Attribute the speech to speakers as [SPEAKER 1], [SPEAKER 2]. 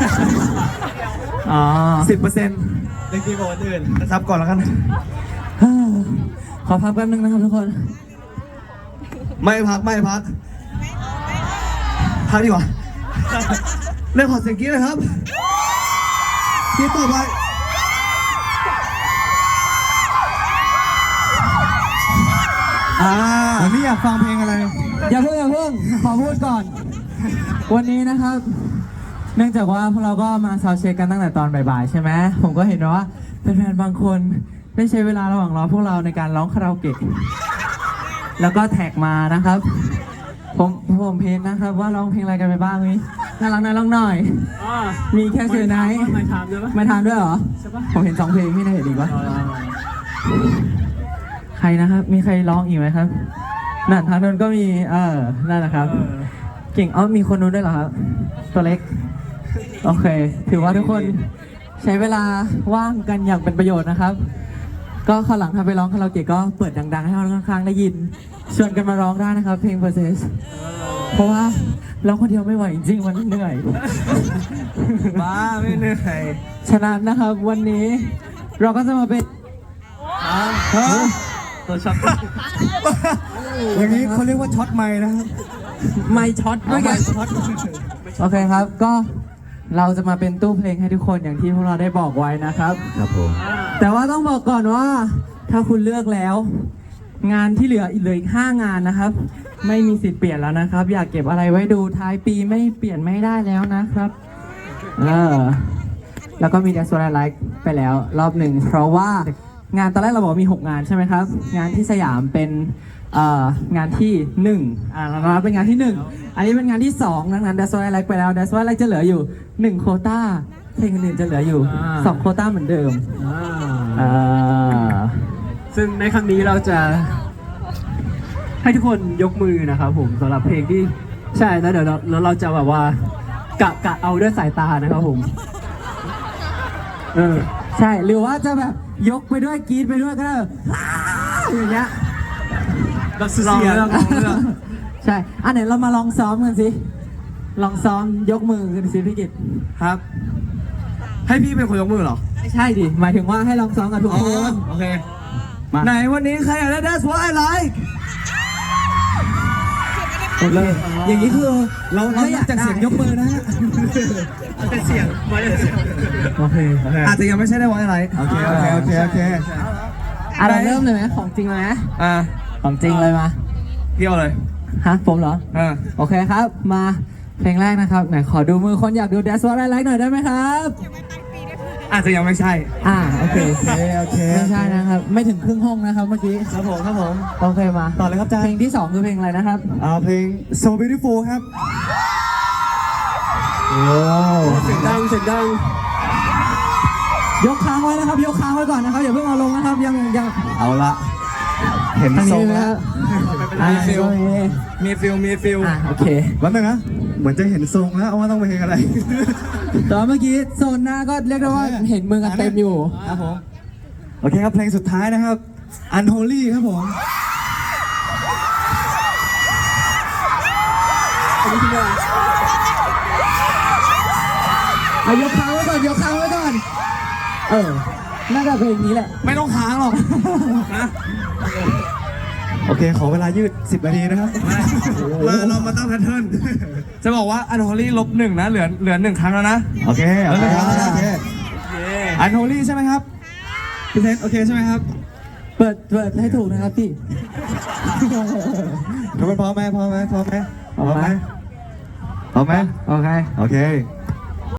[SPEAKER 1] อ๋อ
[SPEAKER 2] 10%เล็กดีกว่าคนอื่นนะครับก่อนแล้วกัน
[SPEAKER 1] ขอพักแป๊บนึงนะครับทุกคน
[SPEAKER 2] ไม่พักดีกว่าเล่นขอเสียงกี้เลยครับที่ต่อไปวันนี้อยากฟังเพลงอะไร
[SPEAKER 1] อย่าเพิ่งขอพูดก่อน วันนี้นะครับ เนื่องจากว่าพวกเราก็มาซาวด์เช็คกันตั้งแต่ตอนบ่ายๆใช่ไหมผมก็เห็นว่าแฟนๆบางคนได้ใช้เวลาระหว่างรอพวกเราในการร้องคาราโอเกะแล้วก็แท็กมานะครับ ผมเพลงนะครับว่าร้องเพลงอะไรกันไปบ้างมีน่ารักร้องหน่อยมีแค่เซอร์ไนท์ไม่ทานด้วยเหรอผมเห็น2 เพลงพี่น่าเห็นอีกปะใครนะครับมีใครร้องอีกไหมครับนั่นทางนู้นก็มีนั่นนะครับเก่งมีคนนู้นด้วยเหรอครับตัวเล็กโอเคถือว่าทุกคนใช้เวลาว่างกันอย่างเป็นประโยชน์นะครับก็คราวหลังถ้าไปร้องคาราโอเกะก็เปิดดังๆให้คนข้างๆได้ยินชวนกันมาร้องได้นะครับเพลง Process เพราะว่าร้องคนเดียวไม่ไหวจริงๆมันเหนื่อย
[SPEAKER 2] บ้าไม่เหนื่อย
[SPEAKER 1] ฉะนั้นนะครับวันนี้เราก็จะมาเป็น
[SPEAKER 2] ตัวช็อตอย่างนี้เขาเรียกว่าช็อตไม้นะครับ
[SPEAKER 1] ไม่ช็อตไม่ช็อตโอเคครับก็เราจะมาเป็นตู้เพลงให้ทุกคนอย่างที่พวกเราได้บอกไว้นะครับ
[SPEAKER 2] ครับผม
[SPEAKER 1] แต่ว่าต้องบอกก่อนว่าถ้าคุณเลือกแล้วงานที่เหลืออีก5 งานนะครับไม่มีสิทธิ์เปลี่ยนแล้วนะครับ อยากเก็บอะไรไว้ดูท้ายปีไม่เปลี่ยนไม่ได้แล้วนะครับแล้วก็มี That's What I Like ไปแล้วรอบหนึ่งเพราะว่างานตอนแรกเราบอกมี6 งานใช่ไหมครับงานที่สยามเป็นงานที่1เราเป็นงานที่1อันนี้เป็นงานที่2ดังนั้น That's What I Like ไปแล้ว That's What I Like จะเหลืออยู่1 โควต้าเพลงอื่นจะเหลืออยู่2 โควต้าเหมือนเดิม
[SPEAKER 3] ซึ่งในครั้งนี้เราจะให้ทุกคนยกมือนะครับผมสำหรับเพลงที่ใช่แล้วเดี๋ยวเราจะแบบว่ากะเอาด้วยสายตานะครับผม
[SPEAKER 1] ใช่หรือว่าจะแบบยกไปด้วยกรี๊ดไปด้วยก็ได้อย่างเงี้ย
[SPEAKER 3] เราเสียง
[SPEAKER 1] ใช่อันไหนเรามาลองซ้อมกันสิลองซ้อมยกมือกันสิพี่กิต
[SPEAKER 2] ครับให้พี่เป็นคนยกมือเหรอ
[SPEAKER 1] ไม่ใช่ดิหมายถึงว่าให้ลองซ้อมกับทุกคน
[SPEAKER 2] โอเคไหนวันนี้ใครอยากได้ That's What I Like
[SPEAKER 1] หมดเลยอย่างนี้คือ
[SPEAKER 2] เราอยากจากเสียงยกมือนะฮะ
[SPEAKER 3] เป็นเสียง
[SPEAKER 1] โอเค
[SPEAKER 2] อาจจะยังไม่ใช่ได้ What I Like โอเค
[SPEAKER 1] อะไรเริ่มเลยไหมของจริงเลยไหมของจริงเลยมา
[SPEAKER 2] เที่ยวเลย
[SPEAKER 1] ฮะผมเหรอโอเคครับมาเพลงแรกนะครับไหนขอดูมือคนอยากดู That's What I Like หน่อยได้ไหมครับ
[SPEAKER 2] อาจจะยังไม่ใช่
[SPEAKER 1] โอเคไม่ใช่นะครับไม่ถึงครึ่งห้องนะครับเมื่อกี้
[SPEAKER 2] ครับผม
[SPEAKER 1] โอเคมา
[SPEAKER 2] ต่อเลยครับจ้า
[SPEAKER 1] เพลงที่2คือเพลงอะไรนะครับ
[SPEAKER 2] เพลง So Beautiful ครับ
[SPEAKER 3] เสียงดัง
[SPEAKER 1] ยกค้างไว้นะครับยกค้างไว้ก่อนนะครับอย่าเพิ่งเอาลงนะครับยัง
[SPEAKER 2] เอาละเห็นทรงแล้วมีฟิล
[SPEAKER 1] โอเค
[SPEAKER 2] วันนึงนะเหมือนจะเห็นทรงแล้วว่าต้องไปเพลงอะไร
[SPEAKER 1] ตอนเมื่อกี้โซนหน้าก็เรียกได้ว่าเห็นมือกันเต็มอยู่
[SPEAKER 2] ครับผมโอเคครับเพลงสุดท้ายนะครับ Unholy ครับผม
[SPEAKER 1] ยกค้างไว้ก่อนน่าจะเพลงนี้แหละ
[SPEAKER 2] ไม่ต้องค้างหรอกนะโอเคขอเวลายืด10 นาทีนะครับเรามาตั้งแพทเทิร์นจะบอกว่าอันโฮลี่-1นะเหลือ1 ครั้งแล้วนะโอเคอันโฮลี่ใช่ไหมครับพี่เซนโอเคใช่ไหมครับ
[SPEAKER 1] เปิดให้ถูกนะครับพี่
[SPEAKER 2] ทุกคนพร้อมไหม
[SPEAKER 1] โอเค